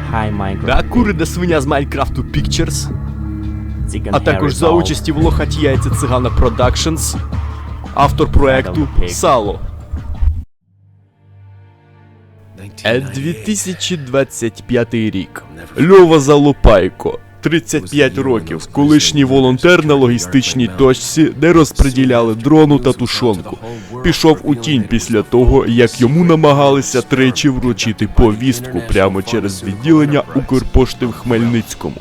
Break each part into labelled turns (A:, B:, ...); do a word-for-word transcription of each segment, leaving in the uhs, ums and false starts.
A: та курена свиня з Майнкрафту Pictures, а також за участі в Лохаті Яйця Цигана Продакшнс, автор проекту Сало. дві тисячі двадцять п'ятий рік. Льова Залупайко, тридцять п'ять років, колишній волонтер на логістичній точці, де розподіляли дрону та тушонку. Пішов у тінь після того, як йому намагалися тричі вручити повістку прямо через відділення Укрпошти в Хмельницькому.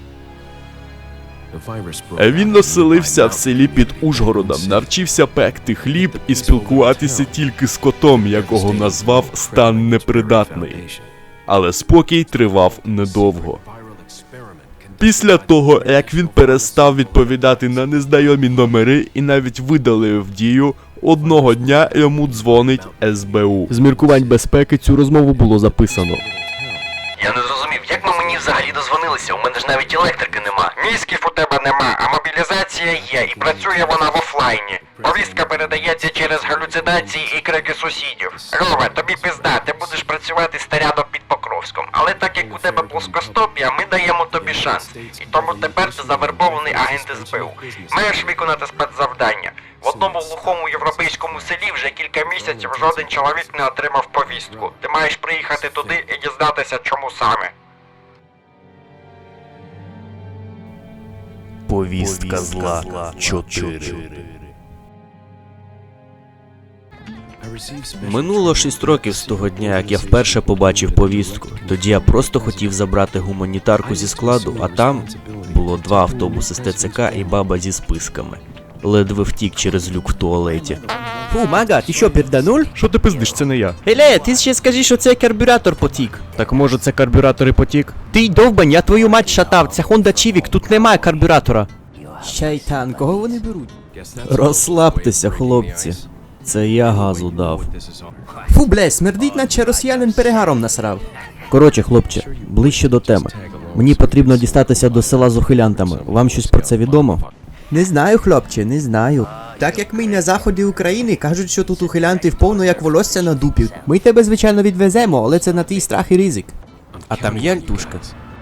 A: Він оселився в селі під Ужгородом, навчився пекти хліб і спілкуватися тільки з котом, якого назвав Стан Непридатний. Але спокій тривав недовго. Після того, як він перестав відповідати на незнайомі номери і навіть видалив дію, одного дня йому дзвонить ес бе у. З міркувань безпеки цю розмову було записано.
B: Я не зрозумів, як ми мені взагалі дозвонилися? У мене ж навіть електрики нема. Мізків у тебе нема, а мобілізація є, і працює вона в офлайні. Повістка передається через галюцинації і крики сусідів. Рове, тобі пизда, ти будеш працювати старядом під Покровськом. Але так як у тебе плоскостопія, ми даємо тобі шанс. І тому тепер ти завербований агент ес бе у. Маєш виконати спецзавдання. В одному глухому європейському селі вже кілька місяців жоден чоловік не отримав повістку. Ти маєш приїхати туди і дізнатися, чому саме.
A: Повістка зла чотири. Минуло шість років з того дня, як я вперше побачив повістку. Тоді я просто хотів забрати гуманітарку зі складу, а там було два автобуси з те це ка і баба зі списками. Ледве втік через люк в туалеті.
C: Фу, Мага, ти що, пердануль?
A: Що ти пиздиш, це не я.
C: Еле, ти ще скажи, що це карбюратор потік.
A: Так може це карбюратор і потік?
C: Ти довбань, я твою мать шатав, це Honda Civic, тут немає карбюратора. Шайтан, кого вони беруть?
A: Розслабтеся, хлопці. Це я газу дав.
C: Фу, бля, смердить, наче росіянин перегаром насрав.
A: Коротше, хлопче, ближче до теми. Мені потрібно дістатися до села з ухилянтами. Вам щось про це відомо?
C: Не знаю, хлопче, не знаю. Так як ми на заході України, кажуть, що тут ухилянти вповно як волосся на дупі. Ми тебе, звичайно, відвеземо, але це на твій страх і ризик.
A: А там є альтушка?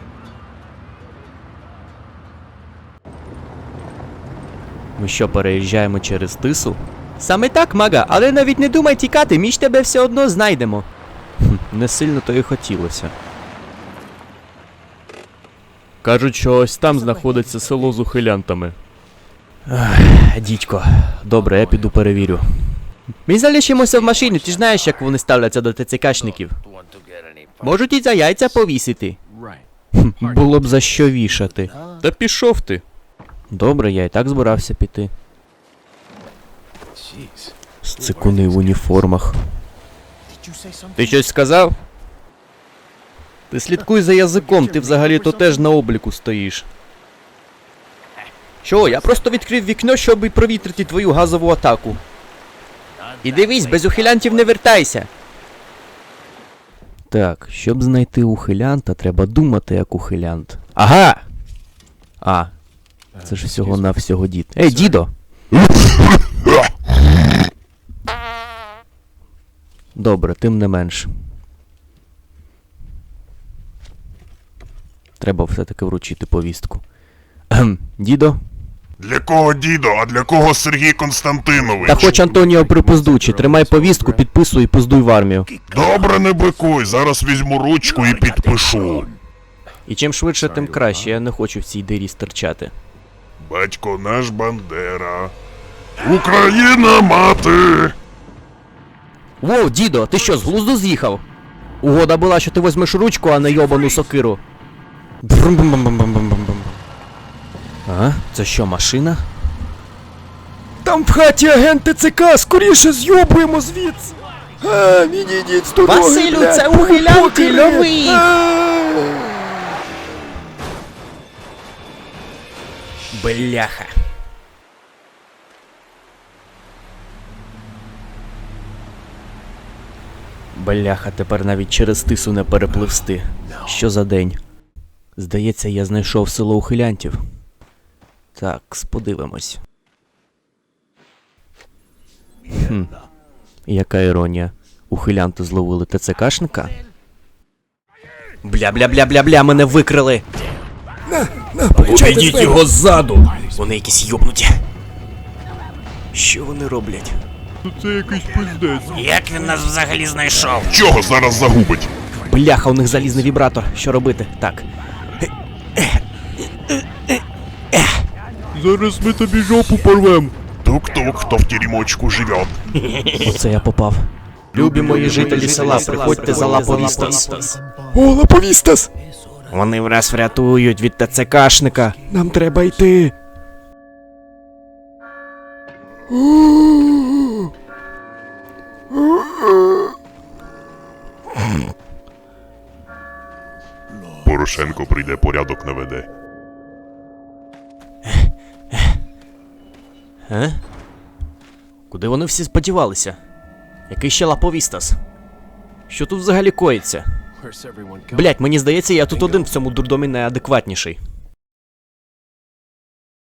A: Ми що, переїжджаємо через Тису?
C: Саме так, Мага, але навіть не думай тікати, ми ж тебе все одно знайдемо.
A: Хм, не сильно то і хотілося. Кажуть, що ось там знаходиться село з ухилянтами. Ах, дідько. Добре, я піду перевірю.
C: Ми залишимося в машині, ти ж знаєш, як вони ставляться до те це кашників. Можуть і за яйця повісити.
A: Хм, було б за що вішати. Та пішов ти. Добре, я і так збирався піти. Сцикуни в уніформах. Ти щось сказав? Ти слідкуй за язиком, ти взагалі-то теж на обліку стоїш.
C: Що, я просто відкрив вікно, щоб провітрити твою газову атаку. І дивись, без ухилянтів не вертайся.
A: Так, щоб знайти ухилянта, треба думати як ухилянт. Ага! А, це ж всього-навсього дід. Ей, дідо! Добре, тим не менш. Треба все-таки вручити повістку. Ем, дідо?
D: Для кого дідо, а для кого Сергій Константинович?
A: Та хоч Антоніо припиздучи, тримай повістку, підписуй і пиздуй в армію.
D: Добре, не бикуй, зараз візьму ручку і підпишу.
A: І чим швидше, тим краще, я не хочу в цій дирі стирчати.
D: Батько наш Бандера. Україна мати!
A: Воу, дідо, ти що, з глузду з'їхав? Угода була, що ти возьмеш ручку, а не йобану сокиру. Брум-бум-бум-бум-бум-бум. А? Це що, машина? Там в хаті агент те це ка, скоріше з'йобуємо звідси! А, відійдіть з дороги,
C: Василю,
A: блядь,
C: це ухилянти,
A: покери!
C: лови їх!
A: А!
C: Бляха.
A: Бляха, тепер навіть через Тису не перепливсти. Що за день? Здається, я знайшов село ухилянтів. Так, подивимось. Хм. Яка іронія. Ухилянти зловили те це кашника?
E: Бля-бля-бля-бля-бля, мене викрили.
A: Обійдіть його ззаду!
E: Вони якісь йобнуті. Що вони роблять?
A: Це якийсь пиздець.
E: Як він нас взагалі знайшов?
D: Чого зараз загубить?
E: Бляха, у них залізний вібратор. Що робити? Так.
A: Зараз ми тобі жопу порвем.
D: Тук-тук, хто в тюрімочку живе.
E: Оце я попав. Любі мої жителі села, приходьте за Лаповістас.
A: О, Лаповістас!
E: Вони враз врятують від ТЦКшника.
A: Нам треба йти.
D: Порошенко прийде, порядок наведе.
E: Е? Куди вони всі сподівалися? Який ще Лаповістас? Що тут взагалі коїться? Блять, мені здається, я тут один в цьому дурдомі найадекватніший.